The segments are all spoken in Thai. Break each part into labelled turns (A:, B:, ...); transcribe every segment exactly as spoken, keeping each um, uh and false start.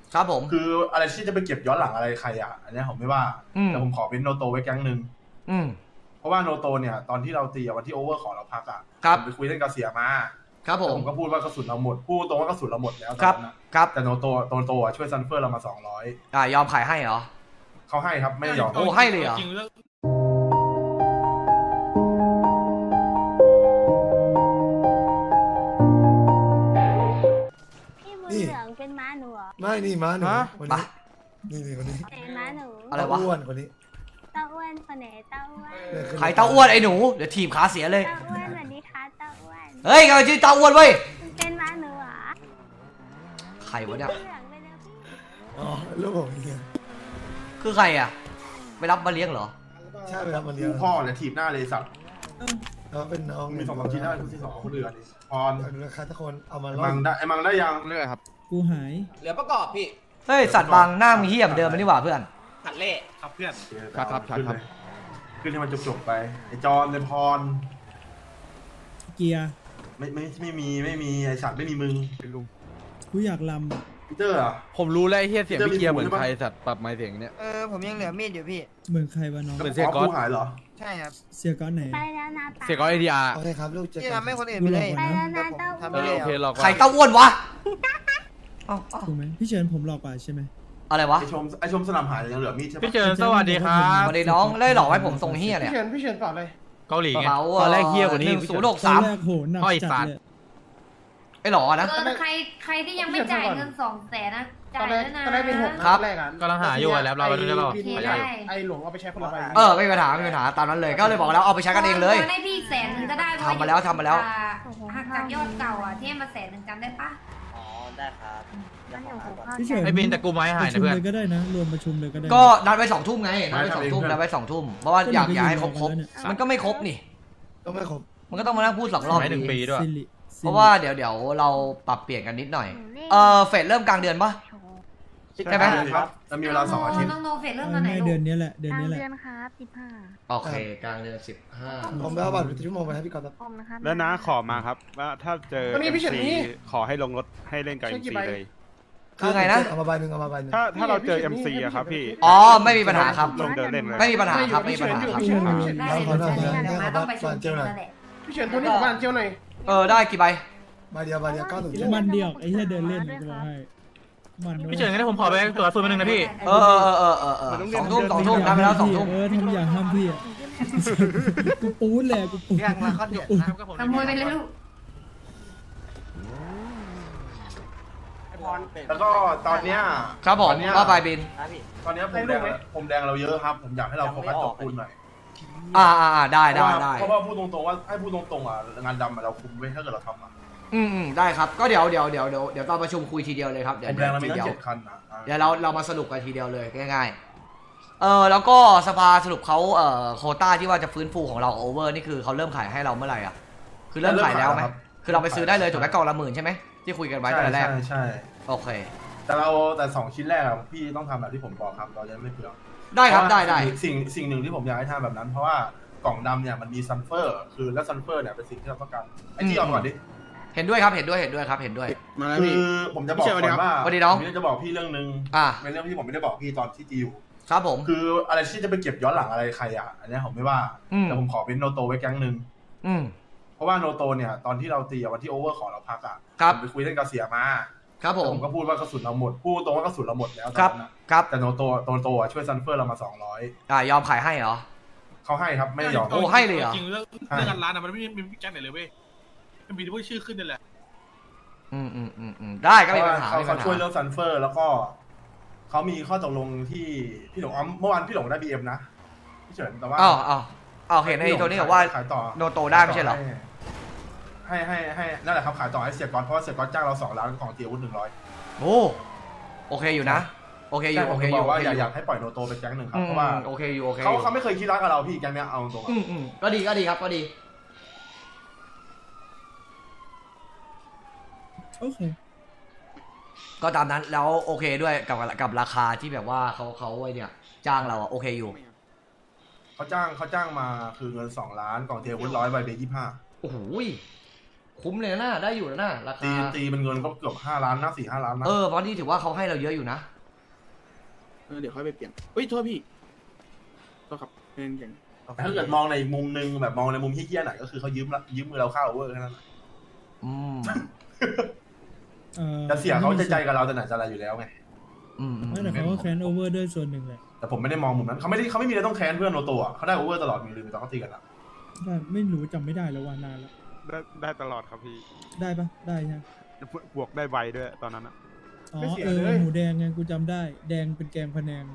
A: ครับผม
B: คืออะไรที่จะไปเก็บย้อนหลังอะไรใครอ่ะอันนี้ผมไม่ว่าแต่ผมขอเป็นโนโตไว้แก๊งหนึ่งเพราะว่าโนโตเนี่ยตอนที่เราตีวันที่โอเวอร์ขอเราพักอ่ะผมไปคุยเรื่องกระเสียมา
A: ครับผม
B: ผมก็พูดว่ากระสุนเราหมดพูดตรงว่ากระสุนเราหมดแล้ว
A: ครับครับ
B: แต่โนโตโนโตช่วยซันเฟอร์เรามาสองร้อย
A: อ่ายอมขายให้เหรอ
B: เขาให้ครับไม่ยอม
A: โอ้ให้เลยเหรอ
C: พี่บุญเหลืองเป็นม้าหนูเหรอ
D: ไม่นี่ม้าหนูวันนี้นี่นี่คนนี้
C: เป็นม้าหนู
A: อะไรวะ
D: อ้วนคนนี้
C: เต้าอ้วนคนไหนเต้าอ้วน
A: ใครเต้าอ้วนไอ้หนูเดี๋ยวทีมขาเสียเลย
C: เต้าอ้วนสวัสดีค่ะเต้าอ้วน
A: เฮ้ยเขาชื่อเต้าอ้วนเว้ย
C: เป็นม้าหนูเหรอ
A: ใครวะเนี่ย
D: อ๋อลูกผมเอง
A: คือใครอ่ะไปรับมาเลี้ยงเหรอ
D: ใช่ไปรับมาเลี้ยง
B: พ่อเนี่ยถีบหน้าเลยสัตว์
D: เขาเป็นน้อง
B: มีสองสามทีได้ทุกที่สองคนเดือนพร
D: ราคาทุกคนเอามา
B: มังได้ไอ้มังได้ยัง
E: เรื่อยครับ
F: กูหาย
E: เหลือประกอบพี่
A: เฮ้ยสัตว์บางหน้ามีเหี้ยมเดิมมันนี่หว่าเพื่อน
E: หัดเล่
B: ครับเพื่อน
E: ครับครับครับ
B: ขึ้นให้มันจบๆไปไอ้จอนไอ้พร
F: เกียร์
B: ไม่ไม่ไม่มีไม่มีไอ้สัตว์ไม่มีมึง
E: เป็นลุง
F: กูอยากล
B: ำพีเตอร์อ่ะ
E: ผมรู้แล้วไอ้เฮียเสียงพี่เกียร์เหมือนใครสัตว์ปรับไมค์เสียงเนี้ย
G: เออผมยังเหลือมีดอยู่พี่
F: เหมือนใครวะน้อง
E: เหมือนเสียก้อน
B: หายเหรอ
G: ใช่ครับ
F: เสียก้อนไหน
C: ไปแล้วนะ
E: เสียก้อนไอทีอาร์
D: โอเคครับลูกจะ
G: ที่ทำให้คนอื่นไปเลย
C: ไปแล้วนะเต้าอ้วน
A: ใครเต้าอ้วนวะ
F: ถูกไหมพี่เชิญผมหลอกกว่าใช่ไหม
A: อะไรวะ
B: ไอชมไอชมสนามหายยังเหลือมีดใช่ไหม
E: พี่เชิญสวัสดีครับ
A: สวัสดีน้องเลยหลอกให้ผมทรงเฮียเนี่ย
G: พี่เชิญพี่เชิญเปล่าเลย
E: เกาหลีไง
A: ต
E: อนแรกเฮียกว่านี้
A: หนึ่งศูนย์หกสาม
F: โหหนักจัดเลย
A: ไอ้หล่อนะ
H: ใครใครที่ยังไม่จ่ายเงินสองแสนนะจ่ายแล้วนะ
G: ตอนแรกเป็นหก
A: ครับ
E: กำลังหาอยู่แล้วเราไปดูได้เปล่า
G: ไอหลวงเอาไปใช้คนละใบ
A: เออไม่มีปัญหาไม่มีปัญหาตามนั้นเลยก็เลยบอกแล้วเอาไปใช้กันเองเลย
H: ให้พี่แสนหนึ่งก็ได้
A: ทำมาแล้วทำมาแล้ว
H: หักจากยอดเก่าอ่ะที่มาแสนหนึ่งจำได้ปะ
G: อ๋อได้ครับ
F: พี่เชิญ
E: ไอ้บินแต่กูไม้หายนะเพื่อน
F: ก็ได้นะรวมประชุมเลยก็ได้
A: ก็นัดไว้สองทุ่มไงนัดไว้สองทุ่มนัดไว้สองทุ่มเพราะว่าอยากอยากให้ครบครบมันก็ไม่ครบนี่
D: ก็ไม่ครบ
A: มันก็ต้องมานั่งพูดสองรอบ
E: หนึ่งปีด้วย
A: เพราะว่าเดี๋ยวเดี๋ยวเราปรับเปลี่ยนกันนิดหน่อยเออเฟสเริ่มกลางเดือนปะใช่ไหม
B: ครับจะมีเวลาสองอาทิตย์
H: ต้องโนเฟสเริ่มตอนไหน
F: เดือนนี้แหละเดือนนี้แหละ
C: เดือนครับสิบห้า
A: โอเคกลางเดือนสิบห้า
D: ผมไปเอาบัตรชั่วโมงไปให้พี่กอล์ฟ
I: แล้วนะขอมาครับว่าถ้าเจอ เอ็ม ซี ขอให้ลงรถให้เล่นกับ เอ็ม ซี เลย
A: คือไงนะ
D: เอามาใบหนึ่งเอามาใบหนึ่ง
I: ถ้าถ้าเราเจอ เอ็ม ซี อะครับพี่
A: อ๋อไม่มีปัญหาครับ
I: ลงเดินเล่นเลย
A: ไม่มีปัญหาครับไม่มีปัญหาครับ
G: พี่เชิญโทนี่บ้านเจียวหน่อย
A: เออได้กี่ใบ
D: ใบเดียวใบเดียวเก้าถึง
F: มันเดียวไอ้เหี้ยเดินเล่นจะบอกให้
E: พี่เฉินงั้นผมขอไปตัวฟืนมาหนึ่งนะพี่
A: เออเออเออเออเออสองทุ่มสองทุ่มทำไปแล้วสองทุ่ม
F: เออทำอย่างห้ามพี่อ่ะกูปูนเลยกูปูน
H: ขโมยไปเลยลูก
B: แล้วก็ตอนเนี้ย
A: ครับผมว่าไปบิน
B: ตอนนี้ผมแดงผมแดงเราเยอะครับผมอยากให้เราโฟกัสตัวคุณหน่อย
A: อ่าอ่าได้ได้ได้
B: เพราะว่าพูดตรงๆว่าให้พูดตรงๆอ่ะงานดำเราคุมไว้ถ้าเกิดเราทำอ่ะ
A: อืมอืมได้ครับก็เดี๋ยวเดี๋ยวเดี๋ยวเดี๋ยวเดี๋ยวตอนประชุมคุยทีเดียวเลยครับเดี๋ยว
B: ผมแดงเรามีตั้งเจ็ดคันนะ
A: เดี๋ยวเราเรามาสรุปกันทีเดียวเลยง่ายๆเออแล้วก็สภาสรุปเขาเอ่อโควต้าที่ว่าจะฟื้นฟูของเราโอเวอร์นี่คือเขาเริ่มขายให้เราเมื่อไหร่อ่ะคือเริ่มขายแล้วไหมคือเราไปซื้อได้เลยถูกไหมกล่องละหมื่นใช่ไหมที่คุยกันไว้ตอนแรก
B: ใช่ใช่
A: โอเค
B: แต่เราแต่สองชิ้นแรกอะพี่ต้องทำแบบที่ผมบอกครับเราจะไม่เปลือง
A: ได้ครับได้ได้
B: สิ่งสิ่งหนึ่งที่ผมอยากให้ทำแบบนั้นเพราะว่ากล่องดำเนี่ยมันมีซัลเฟอร์คือและซัลเฟอร์เนี่ยเป็นสิ่งที่เราต้องการไอ้ที่เอาก่อนดิ
A: เห็นด้วยครับเห็นด้วยเห็นด้วยครับเห็นด้วย
B: คือผมจะบอกก่อนว่า
A: วันนี้น้อง
B: ผมจะบอกพี่เรื่องนึง
A: อ่า
B: เป็นเรื่องที่ผมไม่ได้บอกพี่ตอนที่จีอยู่
A: ครับผม
B: คืออะไรที่จะไปเก็บย้อนหลังอะไรใครอ่ะอันนี้ผมไม่ว่าแต่ผมขอเป็นโนโตไว้แก๊งหนึ่งเพราะว่าโนโตเนี่ยตอนที่เราตีวันที่โอเวอร์ขอเราพักอ่ะผมไปคุยเรื่องกระเสียมา
A: ครับผม
B: ผมก็พูดว่ากระสุนเราหมดพูดตรงว่ากระสุนเราหมดแล้ว
A: ครับครับ
B: แต่โนโตโนโตช่วยซันเฟอร์เรามาสองร้อย
A: อ่ายอมขายให้เหรอ
B: เขาให้ครับไม่ยอม
A: โอ้ให้เลยเหรอ
I: จริงเรื่องเรื่องร้านอะมันไม่มีแก๊งไหนเลยเว้ยมันมีแต่พวกชื่อขึ้นนี่แหละ
A: อืมอืมอืมอืมได้ก็ไม่มีปัญหา
B: เขาช่วยเรื่องซันเฟอร์แล้วก็เขามีข้อตกลงที่พี่หลงเมื่อวานพี่หลงได้บีเอ็มนะพี่เฉินแต่ว่า
A: อ๋ออ๋ออ๋อเห็นในตัวนี้บอกว่า
B: ขายต่อ
A: โนโตได้ไม่ใช่เหรอ
B: ให้ให้ให้นั่นแหละครับขายต่อให้เสียก๊อตเพราะว่าเสียก๊อตจ้างเราสองล้านของเตียวุฒิหนึ่งร้อย
A: โอ้โอเคอยู่นะโอเคอยู่โอเคอยู่
B: ว่าอยากให้ปล่อยโนโตเป็นแก๊งหนึ่งครับเพราะว่า
A: โอเคอยู่โอเค
B: เขาเขาไม่เคยคิดรักกับเราพี่แก๊งเนี้ยเอาตรง
A: อืมอืมก็ดีก็ดีครับก็ดี
F: โอเค
A: ก็ตามนั้นแล้วโอเคด้วยกับกับราคาที่แบบว่าเขาเขาไอ้เนี่ยจ้างเราอะโอเคอยู่
B: เขาจ้างเขาจ้างมาคือเงินสองล้านกล่องเทียวุฒิร้อยใบเบยี่ห้า
A: โอ้โหคุ้มเลยนะได้อยู่นะรา
B: ตี
A: คา
B: ตีเป็นเงินก็เกือบห้าล้านนะสี่ห้าล้านนะ
A: เออเพราะนี่ถือว่าเขาให้เราเยอะอยู่นะ
G: เออเดี๋ยวค่อยไปเปลี่ยนเฮ้ยโทษพี่โทษครับเป็นอย่าง
B: แต่ถ้าเกิดมองในมุมนึงแบบมองในมุมที่เหี้ยหน่อยก็คือเขายืมละยืมมือเราเข้าโอเวอร์แค่นั้น
A: อืม
F: เอ่อ
B: แต่เสียเขาจะใจกับเราแต่ไหนจะอะไรอยู่แล้วไง
A: อืม
F: ไม่แต่เขาก็แคนโอเวอร์ด้วยส่วนหนึ่งแหละ
B: แต่ผมไม่ได้มองมุมนั้นเขาไม่ได้เขาไม่มีอะไรต้องแค้นเพื่อนโนโตะเขาได้โอเวอร์ตลอดมีลืมไปตอนเขาตีกันอะ
F: ว่าไม่รู้จำไม่ได้แล้วว่านานแล้ว
I: ได้ได้ตลอดครับพี่
F: ได้ปะได้ใช่ไหม
I: บวกได้ไวด้วยตอนนั้นอะ
F: อ๋อเออหมูแดงไงกูจำได้ แดงเป็นแกงพะแนง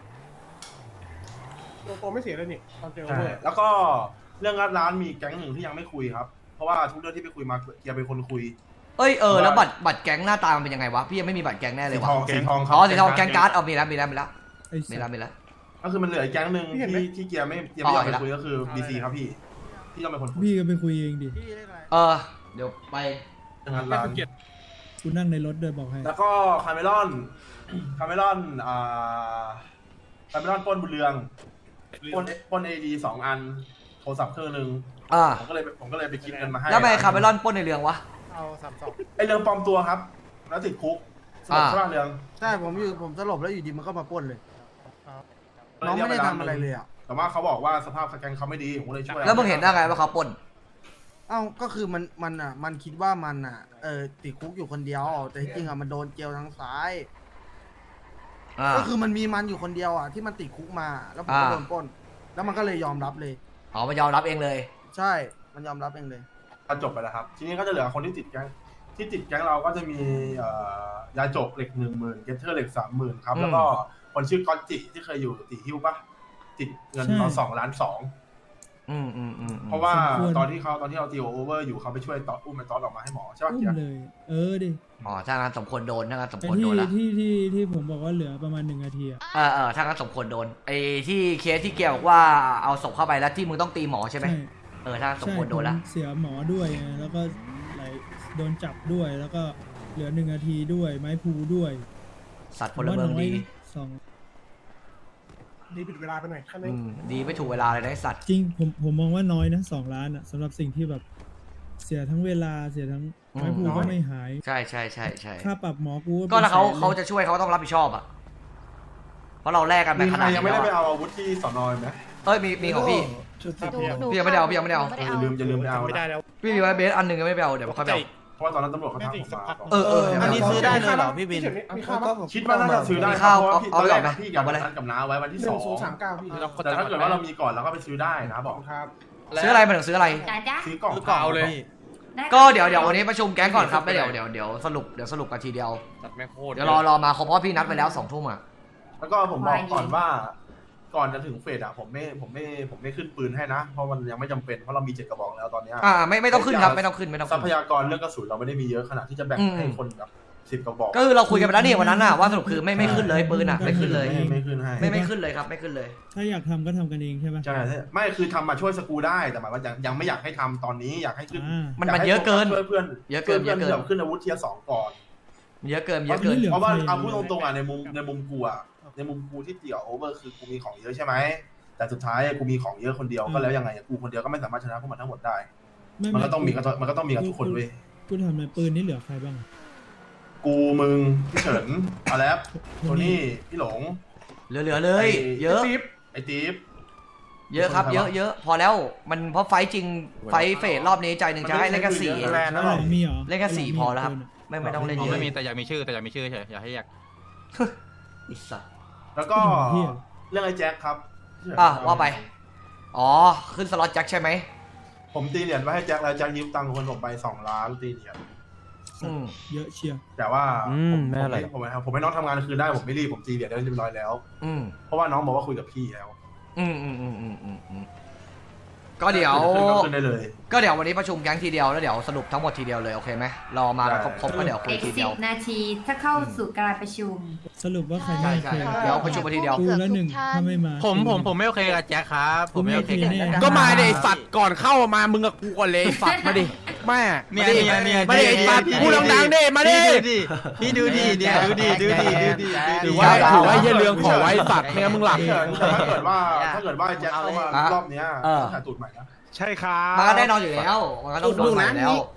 G: โลโก้ไม่เสียเลยนี่ตอนเจอ
B: ใช่แล้วก็เรื่องร้านมีแก๊งหนึ่งที่ยังไม่คุยครับเพราะว่าทุกเรื่องที่ไปคุยมาเกียร์เป็นคนคุย
A: เอ้ยเออแล้วบัตรบัตรแก๊งหน้าตามันเป็นยังไงวะพี่ยังไม่มีบัตรแก๊งแน่เล
B: สี
A: ยวะ
B: ทองสีทอง
A: อ๋อสีทองแก๊งการ์ดเอามีแล้วมีแล้วมีแล้ว
F: ไอ้
A: มี
F: สั
A: แล้ว
F: ส
A: มีแล้ว
B: ก็คือมันเหลืออีกแก๊งหนึ่งที่ที่เกียร์ไม่เกียร์ไม่อยากไปคุยก็คือบีซีครับพี่ที่ต้องเป็นคนคุย
F: พี่ก็ไปคุยเองดิ
A: เออเดี๋ยวไป
B: เรื่องร้าน
F: กูนั่งในรถด้วยบอกให้
B: แล้วก็คาเมลอนคาเมลอนอ่าคาเมลอนปล้นบุญเรืองปล้นปล้นเอดีสองอันโทรศัพท์เครื่องหนึ่ง
A: อ่า
B: ผมก็เลยผมก็เลยไปคิดเงินมาให้
A: แล้วทำไมคาร์เมลอนปล้นในเรืองวะ
G: เอาสามสอง
B: ไอเรืองปลอมตัวครับ แล้วติดคุกสลบ
A: อ่า
B: ใช่ป่ะเรือง
J: ใช่ผมอยู่ผมสลบแล้วอยู่ดีมันก็มาปล้นเลย น้องไม่ได้ทำอะไรเลยอ่ะ
B: แต่ว่าเขาบอกว่าสภาพแกงเขาไม่ดีผมก็เลยช่วย
A: แล้วมึงเห็นได้ไงว่าเขาปล้น
J: เอ้าก็คือมันมันอ่ะมันคิดว่ามันอ่ะเออติดคุกอยู่คนเดียวแต่ที่จริงอ่ะมันโดนเกลียวทางซ้าย
A: อ่า
J: ก็คือมันมีมันอยู่คนเดียวอ่ะที่มันติดคุกมาแล้วผมก็
A: อ่า
J: โดนปล้น แล้วมันก็เลยยอมรับเลย
A: อ๋อมันยอมรับเองเลย
J: ใช่มันยอมรับเองเลย
B: ก็จบไปแล้วครับ ทีนี้ก็จะเหลือคนที่ติดแก๊งที่ติดแก๊งเราก็จะมีเอ่อยาจกเหล็กหนึ่งหมื่นเกตเทอร์เหล็กสามหมื่นครับ
A: อืม
B: แล้วก็คนชื่อก๊อตจิที่เคยอยู่ตีฮิวปะติดเงินเราสองล้านสอง
A: อืมอืมอืมอืม
B: เพราะว่าตอนที่เขาตอนที่เราตีโอเวอร์อยู่เขาไปช่วยตอดอุ้มไอ้ตอดออกมาให้หมอใช่ปะ
F: อุ้ม
B: เกียร์
F: เลย เออดิ
A: อ๋อถ้างั้นสมควรโดนถ้างั้นสม
F: ไอ้
A: ควร
F: ที่
A: โดนละ
F: ที่ที่ที่ผมบอกว่าเหลือประมาณหนึ่งนาทีอ่ะ
A: เออเออถ้างั้นสมควรโดนไอ้ที่เคสที่เกี่ยวบอกว่าเอาศพเข้าไปแล้วที่มึงต้องตีหมอใช่ไหม
F: ใช่
A: เออถ้าสม
F: ใช่
A: ควรโดนละ
F: ผมเสียหมอด้วยไงแล้วก็ไหลโดนจับด้วยแล้วก็เหลือหนึ่งนาทีด้วยไม้พูด้วย
A: สัตว์พลเมืองดี
F: สอง
G: ดีผิดเวลาไปหน่อยแค่นั้
A: อื
G: น
A: มดีไม่ถูกเวลาเลยนะไอ้สัตว์
F: จริงผมผมมองว่าน้อยนะสองล้านอ่ะสำหรับสิ่งที่แบบเสียทั้งเวลาเสียทั้งไม้พูก็ไม่หาย
A: ใช่ใช่ใช่ใช่
F: ค่าปรับหมอกู
A: ก็ถ้าเขา
F: ป็นแสนลย
A: เขาจะช่วยเขาก็ต้องรับผิดชอบอ่ะเพราะเราแลกกันไป
B: มี
A: ข
B: ใคร
A: นาดนี้
B: ยังไม่
A: แล้
B: ได้
A: ว
B: ไป
A: อะ
B: เอาอาวุธที่สอนอยไหม
A: เอ้ยมีมีของพี่
D: ชุดสี
C: หนู
D: เขียว
C: หนู
A: พี่ยังไม่ได้เอาพี่ยังไม่ได้เอา
C: ห
B: อย่าลืมอย่าลืมไปเอา
G: ไม่ได้
B: นะ
G: แล้ว
A: พี่มีไว้เบสอันหนึ่งยังไม่ไปเอาเดี๋ยวค่อยไปเอา
B: เพราะว่าตอนนั้นตำรวจเขาทักผมมา
A: เออเออ
J: อันนี้ซื้อได้เลยเหรอพี่บิน
G: มีข้าวปะ
B: คิดว่าน่าจะซื้อได้
A: มีข้าว
B: เพราะว่าพี่
A: เอา
B: ตอนแรก
A: เอาไป
B: พี่กับ
A: เอาไปเลย
B: นัดกับน้าไว้วันที่
G: ห
B: ส
G: นึ่
B: อง ง
G: ศูนย์สามเก้าพี่
B: แต่ถ้าเกิดว่าเรามีก่อนเราก็ไปซื้อได้นะบอก
G: ครับ
A: ซื้ออะไรมาถึงซื้ออะไร
H: จ้าจ้า
B: ซื้อกล่อง
J: เก่าเลย
H: ได้
A: ก็เดี๋ยวเดี๋ยววันนี้ประชุมแก๊งก่อนครับแล้วเดี๋ยวเดี๋ยวเดี๋ยวสรุปเดี๋ยวสรุปกันทีเดียวเดี๋ยวรอรอมาเขาเพราะพี่นัดไปแล้วสองทุ่มอ่ะ
B: แล้วก็ผมบอกก่อนว่า ก่อนจะถึงเฟสอะผมไม่ผมไม่ผมไม่ขึ้นปืนให้นะ เพราะมันยังไม่จำเป็นเพราะเรามีเจ็ดกระบอกแล้วตอนเนี้ย
A: อ่าไม่ไม่ต้องขึ้นครับไม่ต้องขึ้นไม่ต้อง
B: ทรั
A: ขึ้น
B: พยากรเรื่องกระสุนเราไม่ได้มีเยอะขนาดที่จะแบ่ง
A: อืม
B: ให้คนแบบสิบกระบอก
A: ก็คือเราคุยกันไปแล้วนี่วันนั้นน่ะว่าสรุปคือไม่ไม่ขึ้นเลยปืนอ่ะไม่ขึ้นเลย
B: ไม่ไม่ขึ้นให้
A: ไม่ไม่ขึ้นเลยครับไม่ขึ้นเลย
F: ถ้าอยากทำก็ทำกันเองใช่ปะ
B: ใช่ใช่ไม่คือทำมาช่วยสกูได้แต่หมายว่ายังยังไม่อยากให้ทำตอนนี้อยากให้ขึ้น
F: อ่า
A: มัน
B: ยา
A: มัน
B: ให้
A: เยอะเกิน
B: ช่วยเพื่อน
A: เยอะเกิน
B: ช่วยเพื่อน
A: เยอะเกิน
B: แบบขึ้นอาวุธเทียร์สองก่อน
A: เยอะเกินเยอะเกิน
F: เหลือ
B: เพราะว่า
F: ใคร
B: เอาพูดตรงๆอ่ะในมุมในมุมกูอ่ะในมุมกูที่เตี่ยวโอเวอร์คือกูมีของเยอะใช่ไหมแต่สุดท้ายกูมีของเยอะคนเดียวก็แล้วยังไงอะกูคนเดียวก็ไม่สามารถชนะพวกมันทั้งหมดได้
F: ไ
B: มันก็ต้องมีกับมันก็ต้องมีกับทุกคนเว้ย
F: กูทำในปืนนี่เหลือใครบ้างอะ
B: กูมึงพี่เฉินอาแลปโทนี่พี่หลง
A: เหลือเหลือเลย
B: ไอ้
A: เยอะ
B: ติ๊บไอ้ติ๊บ
A: เยอะครับเยอะเยอะพอแล้วมันเพราะไฟท์จริงไฟท์เฟสรอบนี้ใจหนึ่งจะให้เล่นแค่สี่
B: แลนด์นะหรอ
F: มีเหรอ
A: เล่นแค่สี่พอแล้วครับ ไม่ไม่ต้องเล่น
E: ผม
A: เยอะ
E: ไม่มีแต่อยากมีชื่อแต่อยากมีชื่อเฉยอยากให้อยาก
A: อิสัต
B: แล้วก็เรื่องไอ้แจ็คครับ
A: อ่ะว่าไป อ๋อขึ้นสล็อตแจ็คใช่ไหม
B: ผมตีเหรียญไว้ให้แจ็คแล้วแจ็คยืมตังค์คนผมไปสองล้านตีเหรียญ
A: อืม
F: เยอะเชียร์
B: แต่ว่า
E: อืม
B: ผม
E: ไม่
B: ผม
E: อะไร
B: ไม่ผมไม่ผมให้น้องทำงานคืนได้ผมไม่รีบผมตีเหรียญได้เรียบร้อยแล้ว
A: อืม
B: เพราะว่าน้องบอกว่าคุยกับพี่แล้ว
A: อืมอืมอืมอืมอืมอืมก็เดี๋ยว
B: ขึ้นก็ขึ้นได้เลย
A: ก็เดี๋ยววันนี้ประชุมแก๊งทีเดียวแล้วเดี๋ยวสรุปทั้งหมดทีเดียวเลยโอเคไหมรอมาครบครบก็เดี๋ยวคุย
H: อีก
A: ที
H: สิ
A: เดียว
H: บนาทีถ้าเข้าสู่การประชุม
F: สรุปว่าใคร
A: ใช่
F: ไม่โอ
A: ใช่
F: เค
A: เดี๋ยวประชุมมาทีเดียว
F: กูแล้วหนึ่งถ้าไม่มา
E: ผมผมผมไม่โอเคกับแจ็คครับผมไม่โอเคกับแจ็ค
F: แน่
J: ก็มาเดี๋ยวไอ้สัตว์ก่อนเข้ามามึงกับกูก่อนเลยไอ้สัตว์มาดิแม่
E: เนี่ยเนี่ยเนี่ย
J: มาดิไอ้สัตว์พูดดังๆดิมาดิ
E: พี่ดูดิเนี่ยดูดิดูดิดูดิ
J: ถือว่าถือว่าเหี้ยเรื่องขอไว้สัตว์ไม่งั้นมึงหลับ
B: พี่เฉินแต่ถ้าเกิดว่าถ้าเกิดว่าแจ็คเข้ามารอบเนี้ย
A: เออ
B: ต้องถ่ายตูดใหม่นะ
I: ใช่ครับ
A: มันก็แน่นอนอยู่แล้วมันก็ต้องโดนใหม่แล้ว
B: เ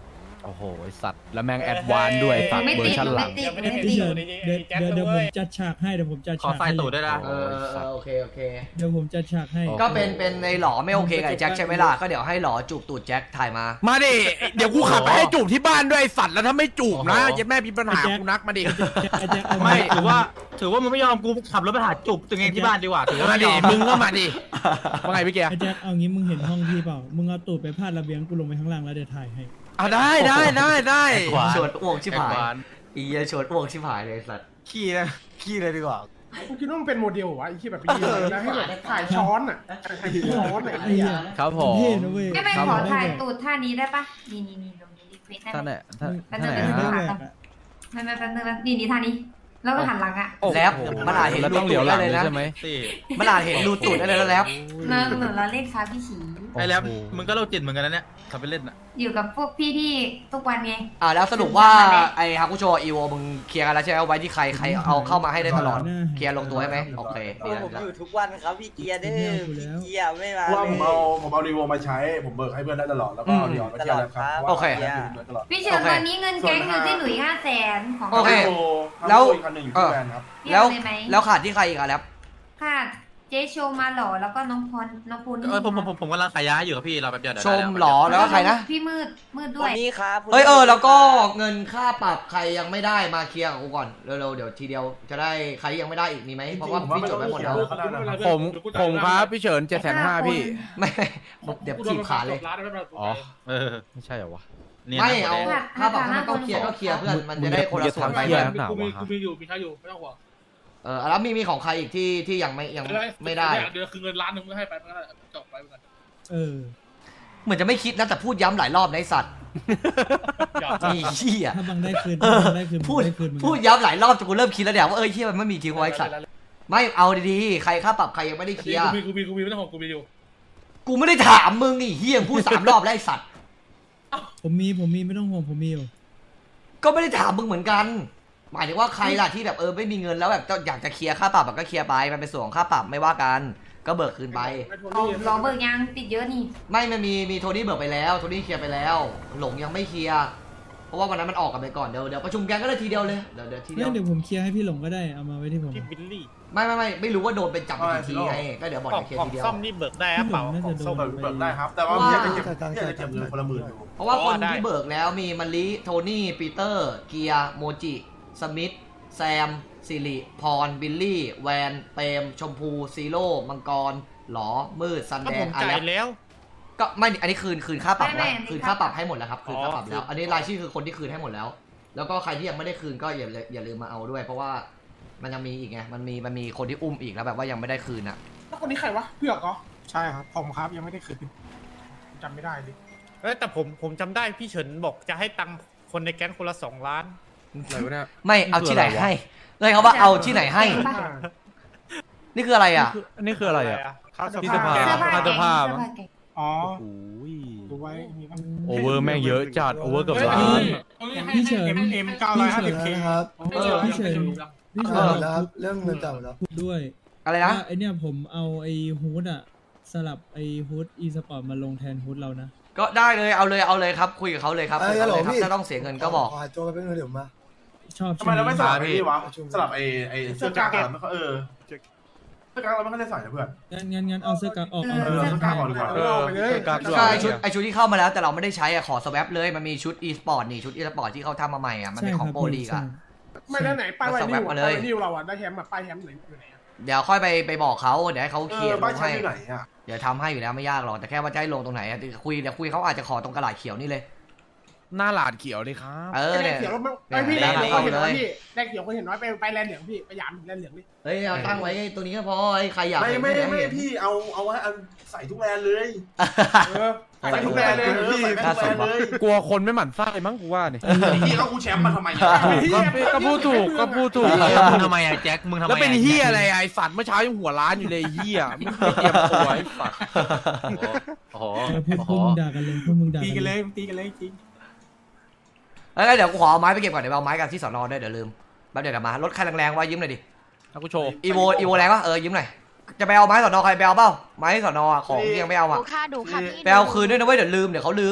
E: โอ้โหสัตว์แล้วแม่งแอดวานซ์ด้วยสัตว์
H: ไม่
E: เวอ
H: ติด
E: ร์ชันหลัง
H: ไม่ติด
F: ไม่ติดเดี๋ยวเดี๋ยวเดี๋ยวผมจัดฉากให้เดี๋ยวผมจัด
E: ขอ
F: ฉาก
E: ไฟ
F: ให้
E: ตูดด้วยนะ
A: เออเออโอเคโอเค
F: เดี๋ยวผมจัดฉากให้
A: ก็เป็นเป็นในหล่อไม่โอเคกับไอ้แจ็คใช่ไหมล่ะก็เดี๋ยวให้หล่อจูบตูดแจ็คถ่ายมา
E: มาดิเดี๋ยวกูขับไปให้จูบที่บ้านด้วยสัตว์แล้วถ้าไม่จูบนะยัดแม่มีปัญหากูนักมาดิ
F: ไอ้แจ็คเอา
E: ไม่ถือว่าถือว่ามึงไม่ยอมกูขับรถไปหาจูบตัวเองที่บ้านดีกว่าถือว่ามาดิมึงก็มาดิว่าไงพี่เกียร์
F: ไอ้แจ็คเอางี้มึงเห็นห้องพี่เปล่ามึงเอาตูดไปพาดระเบียงกูลงไปข้างล่างแล้วเดี๋ยวถ่ายให้
E: อ่ะได้ได้ได้ได้
A: ชวนอ้วกชิบหายอีเหี้ยชวนอ้วกชิบหายเลยสัตว์
E: ขี้นะขี้เลยดีกว่า
G: กูคิดว่ามันเป็นโมเดลวะไอ้ที่แบบไปยืนแล้วให้แบบถ่ายช้อนอ่ะถ่ายช้อนอ่ะ
F: ไอ้เหี้ย
E: ครับผม
F: เท่นะเว้ย
H: ไม่ไม่ขอถ่ายตูดท่านี้ได้ปะนี่นี่นี่ตรงนี้รีเควสได้
E: ท่าน
H: ไหม
E: ไหนท่าน
H: แป๊บ
E: ท่าน
H: นึง
E: ไหน
H: แป๊บนึง
E: ฮะ
H: ไม่ไม่แป๊บนึงแป๊บนี่นี่ท่านี้ แล้วก็หันหลังอ่ะ
A: แล้วมันอาจเห็น
E: แล้ว
A: รู
E: ต้องเหลี
A: ตู
E: ยว
A: ด
E: หลั
A: ได้
E: ง
A: เลยนะ
E: ใช่ไหม
A: มันอาจเห็นรูตูดได้เลยแล้ว
H: เนินหนูเราเล่นค้าพี่ฉี
E: ไอ้แล้วมึงก็โรคจิตเหมือนกันนะเนี่ยขับไปเล่นอ่ะ
H: อยู่กับพวกพี่ที่ทุกวันไง
A: อ่าแล้วสรุปว่าไอ้ฮากุโชอีโวมึงเคลียร์กันแล้วใช่ไหมไว้ที่ใครใครเอาเข้ามาให้ได้ตลอดเคลียร์ลงตัวใช่ไหมโอเคดีแล้ว
K: ผม
A: ดีแล้ว
K: อยู่ทุกวันครับพี่เกียร์เด้อพี่เกียร์ไม่มา
B: ว่า
K: เล
B: ผม
K: ย
B: เอาผมเอารีโวมาใช้ผมเบิกให้เพื่อนได้ตลอดแล้วก็เอาดีออนมาเที่ยวแล้วครับ
A: โอเค
B: ตลอด
H: พี่เชิญตอนนี้เงินแก๊งอยู่ที่หนุ่ยห้าแสนของ
A: โอเค
B: แล้
A: แล้ว ว
B: อีกคันหนึ่งอยู่ที่แบรนด์ครับ
H: พี่
A: แล้ว
H: เอาเลยไหม
A: แล้วขาดที่ใครอีกอะแล้ว
H: ค่ะเจ๊โชว์มาหล่อแล้วก็น้องพรน้องปูน
E: เออผมผมผมผมกำลังขายยาอยู่ครับพี่เราแบบเดียว
A: ชมหล่อแล้วก็ใครนะ
H: พี่มืดมืดด้
K: วั
H: วน ย
K: นี้ครับ
A: เอ้ยเออแล้วก็เงินค่าปรับใครยังไม่ได้มาเคลียร์กับกูก่อนเร็วๆเดี๋ยวทีเดียวจะได้ใครที่ยังไม่ได้อีกมีไหมเพราะว่าพี่จดไว้หมดแล้ว
E: ผมผมครับพี่เฉินเจ็ดแสนห้าพี่
A: ไม่เดี๋ยวจีบขาเลย
E: อ๋อเออไม่ใช่เหรอวะ
A: ไม่เอาค่าปรับถ้ามันต้องเคลียร์ก็เคลียร์เพื่อนมันจะได้คนละส่วนไป
E: เพื่
A: เพื่
E: อ
A: อน น
E: หนาว
G: กูมี
E: วะ
G: กูมีอยู่มีใช้อยู่ไม่ต้องห่วง
A: เออแล้วมีมีของใครอีกที่ที่ยังไม่ยังไม่ได้
G: เดือนคือเงินล้านหนึ่งก็ให้ไปมันก็จบไปเหมือนกัน
F: เออ
A: เหมือนจะไม่คิดนะแต่พูดย้ำหลายรอบในสัตว์มีเหี้ย
F: ถ้าบังได้คืน
A: เออ
F: บังได้คืน
A: พูด
F: บังได้คืนมึง
A: พูดย้ำหลายรอบจนกูเริ่มคิดแล้วเนี่ยว่าเอ้ยเหี้ยมันไม่มีทิ้งไว้สัตว์ไม่เอาดีๆใครค่าปรับใครยังไม่ได้เคลียร์
G: กูมีกูมีกูมีไม่ต้องห่วงกูมีอยู่
A: กูไม่ได้ถามมึงนี่เหี้ยพูดสามรอบแล้วไอ้สัตว์
F: ผมมีผมมีไม่ต้องห่วงผมมีอยู่
A: ก็ไม่ได้ถามมึงเหมือนกัน หมายถึงว่าใครล่ะที่แบบเออไม่มีเงินแล้วแบบอยากจะเคลียร์ค่าปรับก็เคลียร์ไปมันเป็นส่วนของค่าปรับไม่ว่ากันก็เบิกคืนไป
H: เอารอเบิกยังติดเยอะนี่
A: ไม่มันมีมีโทนี่เบิกไปแล้วโทนี่เคลียร์ไปแล้ว หลงยังไม่เคลียร์เพราะว่าวันนั้นมันออกกันไปก่อนเดี๋ยวเดี๋ยวประชุมแกงก็ได้ทีเดียวเลยเดี๋ยวเดี๋ยวทีเดี
F: เนี่
A: ย
F: ยว เดี๋ยวผมเคลียร์ให้พี่หลงก็ได้เอามาไว้ที่ผม
A: ไม่ไม่ไม่ไม่รู้ว่าโดนเป็นจับไปกี่ทีไงก็เดี๋ยวบอกจะเคลียร์ทีเดียว
F: พี่หลงน่าจะโดน
B: เบิกเบิกได้ครับ แต่ว่าพี่จะเก็บพี่จะเก็บเงินคนละหมื่นอยู่
A: เพราะว่าคนที่เบิกแล้วมีมาริโทนี่ปีเตอร์เกียร์โมจิสมิธแซมสิริพรบิลลี่แวนเปรมชมพูซีโร่มังกรหลอมืดซันแดงอะไรแล้วก็ไม่อันนี้คืนคืนค่าปรับนะคืนค่าปรับให้หมดแล้วครับคืนค่าปรับแล้ว อันนี้รายชื่อคือคนที่คืนให้หมดแล้ว แล้วก็ใครที่ยังไม่ได้คืนก็อย่าอย่าลืมมาเอาด้วย เพราะว่ามันยังมีอีกไงมันมีมันมีคนที่อุ้มอีกแล้วแบบว่ายังไม่ได้คืนอ่ะ
G: แล้วคนนี้ใครวะเผือกเหรอใช่ครับผมครับยังไม่ได้คืนจำไม่ได้ดิ
L: เอ้ยแต่ผมผมจำได้พี่เฉินบอกจะให้ตังค์คนในแก๊งคนละสองล้าน
E: อะไรวะเนี่ย
A: ไม่เอาที่ไหนให้เลยเขาว่าเอาที่ไหนให้ นี่คืออะไรอ่ะ
E: อันนี้คืออะไรอ่ะ
L: ค่า
E: ที่สภา
H: เสื้อผ้า
E: ค่า
H: แก๊
E: เสื้อง ผ้า
H: เสื้อ
E: มั้ง
H: ผ้าแก๊ง
G: อ๋อ
E: โอ้ย
G: ดูไว้มีบ้าง
E: โอเวอร์แม่งเยอะจัดโอเวอร์เกือบล้าน
F: พี่เฉิน
G: เอ็มเอ็มเก้าร้อยห้าสิบเค
D: นะครับ
A: เออ
F: พี่เฉินพี่
D: เอ
F: เฉิน
D: อแล้วเรื่องเงินจ่ายหมดแล้ว
F: พูดด้วย
A: อะไรนะ
F: ว่าไอเนี่ยผมเอาไอฮูดอะสลับไอฮูดอีสปอร์ตมาลงแทนฮูดเรานะ
A: ก็ได้เลยเอาเลยเอาเลยครับคุยกับเขาเลยครับ
D: เอ้
A: คุย
D: ย
A: กับ
D: ฮัลโหล
A: เขาเลยครับ
D: พี่
A: ถ้าต้องเสียเงินก็บอก
D: ขอหาตัวไปเป็นเงินเดี๋ยวมา
F: ชอบ
B: ทำไมเราไม่สลับไอ้
E: พี่
B: นี่วะสลับไอ้ไอ้เสื้อกล้ามอะไม่ค่อยเออเสื้อกล้ามเราไม่ค่อยได้ใส่นะเพื่อน
F: งั้นงั้นงั้นเอาเสื้อกั๊กออก
H: เอ
F: เอา
H: อ
F: เสื้อ
B: เสื้อกล้ามออกดีกว่า
E: เออเสื้อกั๊กด้วย
A: ใช่ชุดไอชุดที่เข้ามาแล้วแต่เราไม่ได้ใช้อะขอสวปเลยมันมีชุด e สปอร์ตนี่ชุด e สปอร์ตที่เขาทำมาใหม่อะมัน
F: ใช่
A: เป็น
F: ค
A: ข
F: รั
A: อบ งโปรลีกอะ
G: ไม่ได้ไหนป้ายไวนิว
A: มา
G: ป้าย
A: เลย
G: ไวนิวเราอ่ะได้แฮมแบบป้ายแฮมไหนอยู่ไหน
A: เดี๋ยวค่อยไปไปบอกเขาเดี๋ยวให้เขา
B: เอ
A: เคลีย
B: อ
A: ร์ล
B: บ้าน
A: ง
B: ใช้
A: ให้
B: อยู่ไหนอ่ะ
A: เดี๋ยวทำให้อยู่แล้วไม่ยากหรอกแต่แค่ว่าจะให้ลงตรงไหนอะคุยเดี๋ยวคุยเขาอาจจะขอตรงกระดาษเขียวนี่เลย
E: หน้าหลาดเขียวเลยครับ
A: เออ
G: แด
A: เนี่
G: ง
A: ย
G: เขียวแล้วไม่ไอพี่แดงเขียวเห็นน้อยพี่แดงเขียวเขาเห็นน้อยไปไปแลนเหลืองพี่ไปยามแลนเหลืองนี่
A: เฮ้ยเอาตั้งไว้ตรงนี้ก็พอไอ้ใครอยาก
B: ไม่
A: เห็น
B: ไม่
A: ที่หน
B: ไม่
A: เห็น
B: พี่เอาเอาไว้เอาใส่ทุกแบรนด์เลย
G: เออ
B: ใส่ทุกแบรนด์เลยเออใส่ทุกแบรนด์เลย
E: กลัวคนไม่หมั่นไส้มั้งกูว่าเนี่ย
B: พี่เอากูแชมป์มาทำไม
E: ก็ก็พูดถูกก็พูดถูก
K: มึงทำไมอะแจ็คมึงทำไม
E: แล้วเป็นเฮียอะไรไอ้สัตว์เมื่อเช้ายังหัวร้านอยู่เลยเฮียไม่เตรียมตัวไอ้สัตว์
K: โอ้โห
F: เออพวกพวกมึงด่ากันเลยพวกมึงด่า
G: ตี
F: กั
G: กัน น
F: เล
G: เลย ยตีกันเลยจริง
A: เอ้ยเดี๋ยวกูขอเอาไม้ไปเก็บก่อนเดี๋ยวเอาไม้กันที่สอนอด้วยเดี๋ยวลืมแป๊บเดี๋ยวเดี๋ยวมารถใครแรงๆไว้ยืมหน่อยดิ
E: ถ้ากูโชว์
A: อีโวอีโวแรงปะเออยืมหน่อยจะไปเอาไม้สอนอใครไปเอาเปล่าไม้สอนอของที่ยังไม่เอาอะ
C: ดูค่ะดูค่ะพี่
A: ไปเอาคืนด้วยนะเว้ยเดี๋ยวลืมเดี๋ยวเขาลืม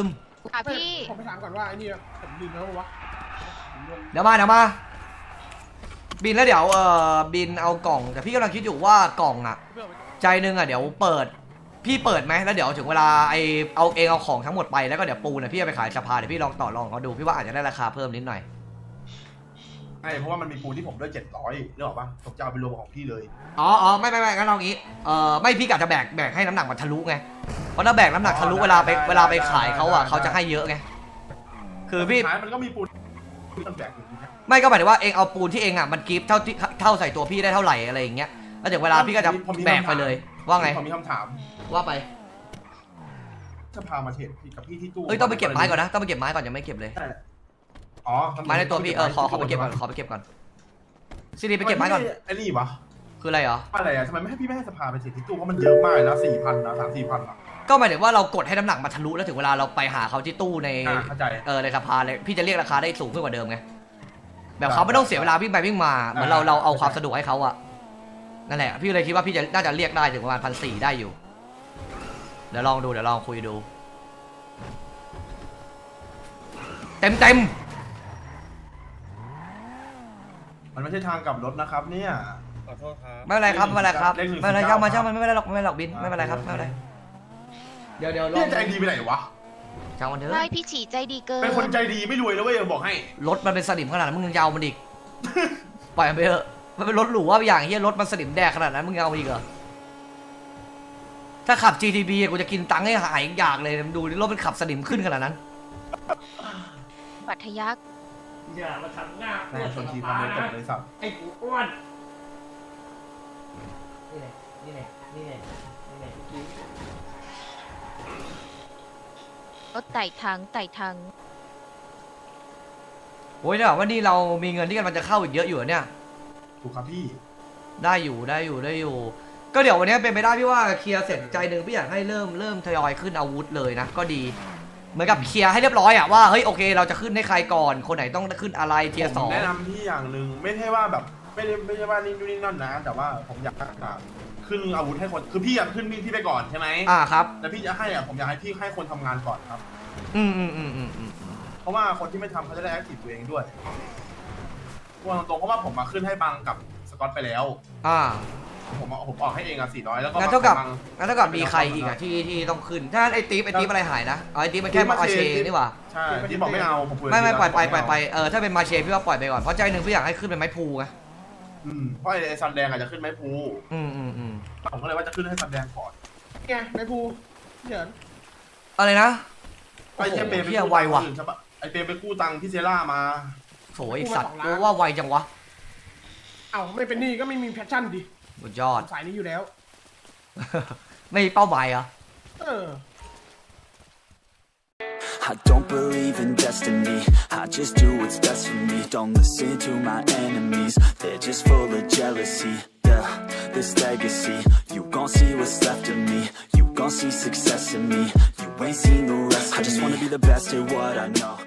H: ค่ะพี่
G: ผมไปถามก่อนว่าไอ้นี่ผมลืมแล้ววะ
A: เดี๋ยวมาเดี๋ยวมาบินแล้วเดี๋ยวเอ่อบินเอากล่องแต่พี่กำลังคิดอยู่ว่ากล่องอ่ะใจนึงอ่ะเดี๋ยวเปิดพี่เปิดไหมแล้วเดี๋ยวถึงเวลาไอเอาเองเอาของทั้งหมดไปแล้วก็เดี๋ยวปูนอ่ะพี่เอาไปขายสภาเดี๋ยวพี่ลองต่อรองเขาดูพี่ว่าอาจจะได้ราคาเพิ่มนิดหน่อย
B: ใช่เพราะว่ามันมีปูนที่ผมด้วยเจ็ดร้อยนึกออกปะผมจะเอาไปรวมของพี่เลย
A: อ๋ออ๋อไม่ไม่ไม่งั้นเอางี้เอ่อไม่พี่กะจะแบกแบกให้น้ำหนักมันทะลุไงเพราะถ้าแบกน้ำหนักทะลุเวลาไปเวลาไปขายเขาอ่ะเขาจะให้เยอะไงคือพี่
B: มันก็มีปูนต้องแบกอยู่
A: ไม่ก็หมายถึงว่าเองเอาปูนที่เองอ่ะมันกิฟต์เท่าที่เท่าใส่ตัวพี่ได้เท่าไหร่อะไรอย่างเงี้ยแล้วถึงเวลาพี่ก็จะแบกไปเลยว่าไง
B: ผมมีคำถาม
A: ว่าไป
B: จะพามาเทรดกับพี่ที่ตู้
A: เอ้ยต้องไปเก็บไม้ก่อนนะต้องไปเก็บไม้ก่อนยังไม่เก็บเลย
B: อ๋อ
A: ไม้ในตัวพี่เออขอขอไปเก็บก่อนขอไปเก็บก่อนซีดีไปเก็บไม้ก่อน
B: ไอ้นี่วะ
A: คืออะไรเหรอ
B: อะไรอ่ะทำไมไม่ให้พี่ไม่ให้สภาไปเทรดที่ตู้เพราะมันเยอะมากนะสี่พันนะสามสี่พันอ่ะ
A: ก็หมายถึงว่าเรากดให้น้ำหนักมาทะลุแล้วถึงเวลาเราไปหาเขาที่ตู้ในเออในสภาเลยพี่จะเรียกราคาได้สูงขึ้นกว่าเดิมไงแบบเขาไม่ต้องเสียเวลาวิ่งไปวิ่งมาเหมือนเราเราเอาความสะดวกให้เขาอะนั่นแหละพี่เลยคิดว่าพี่จะน่าจะเรียกได้ถึงประมาณพันสี่ได้อยู่เดี๋ยวลองดูเดี๋ยวลองคุยดูเต็มเต็ม
B: มันไม่ใช่ทางกลับรถนะครับเนี่ย
L: ขอโทษครับ
A: ไม่เป็นไรครับไม่เป็นไรครับไม่เป็นไรช่างมาช่างมันไม่เป็นไรหรอกไม่เป็นไรหรอกบินไม่เป็นไรครับไม่เป็นไรเดี๋ยวเดี๋ยว
B: พี่ใจดีไปไหนวะ
A: ช่างมันเถอะ
H: ไม่พี่ฉีใจดีเกิน
B: เป็นคนใจดีไม่รวยนะเว้ยบอกให้
A: รถมันเป็นสนิมขนาดนั้นมึงยังยาวมันอีกปล่อยมันไปเถอะมันเป็นรถหรูว่าอย่างเฮียรถมันสนิมแดกขนาดนั้นมึงเอาอีกเหรอถ้าขับ จี ที บี กูจะกินตังค์ให้หายอยากเลยดูรถมันขับสนิมขึ้นขนาดนั้น
H: ปัทยัก
L: อย่ามาทำหน้า
B: แม่ชนทีทำเลยตกเลยสับ
L: ไอ้กูอ้วน
A: นี่ไงนี่ไงนี่ไงนี่ไง
H: รถไต่ทางไต่ทาง
A: โอ้ยเนี่ยว่านี่เรามีเงินที่กำลังจะเข้าอีกเยอะอยู่เนี่ย
B: ถูกครับพี่
A: ได้อยู่ได้อยู่ได้อยู่ก็เดี๋ยววันนี้เป็นไปได้พี่ว่าเคลียร์เสร็จใจหนึ่งพี่อยากให้เริ่มเริ่มทยอยขึ้นอาวุธเลยนะก็ดีเหมือนกับเคลียร์ให้เรียบร้อยอะว่าเฮ้ยโอเคเราจะขึ้นให้ใครก่อนคนไหนต้องขึ้นอะไรเทียร์สอง
B: แนะนำพี่อย่างหนึ่งไม่ใช่ว่าแบบไม่ได้ไม่ใช่ว่านี่นี่นั่นนะแต่ว่าผมอยากขึ้นอาวุธให้คนคือพี่อยากขึ้นพี่พี่ไปก่อนใช่ไหม
A: อ่าครับ
B: แต่พี่จะให้อ่ะผมอยากให้พี่ให้คนทำงานก่อนครับ
A: อืมอืมอืมอืมอืม
B: เพราะว่าคนที่ไม่ทำเขาจะได้แอคทีฟตัวเองด้วยว่าตรงเพราะว่าผมมาขึ้นให้บังกับสกอตไปแล้ว
A: อ่า
B: ผมผมออกให้เองอ่ะสี่ร้อยแล้วก็
A: งั้นเท่ากับงั้นเท่ากับมีใครอีกอ่ะที่ที่ต้องขึ้นถ้าไอ้ตีฟไอ้ตีฟอะไรหายนะไอ้ตีฟมันแค่มาเชนี่หว่า
B: ใช่ที่บอกไม่เอาผม
A: ไม่ไม่ปล่อยไปปล่อยไปเออถ้าเป็นมาเชพี่ว่าปล่อยไปก่อนเพราะใจหนึ่งพี่อยากให้ขึ้นเป็นไม้พูไง
B: อืมเพราะไอ้ซันแดงอาจจะขึ้นไม้พู
A: อืมอืมอืม
B: ผมก็เลยว่าจะขึ้นให้ซันแดงก่อน
G: ไงไม้พูเดี๋ยว
A: อะไรนะ
B: ไอ้เจเปไป
A: กู้ไวว่ะ
B: ไอ้เปไปกู้ตังค์พี่เซล่ามา
A: โถ่ไอ้สัตว์กูว่าไวจังวะ
G: เอ้าไม่เป็นนี่ก็ไม่มีแพชชั่นดิ
A: สุดยอด
G: สายนี้อยู่แล้ว
A: ไม่เป้าหมายเหรอ
G: เออ
M: I don't believe in destiny, I just do what's best for me. Don't listen to my enemies, they're just full of jealousy. Yeah, this legacy, you gon' see what's left of me. You gon' see success in me, you ain't seen the rest of me. I just wanna be the best at what I know.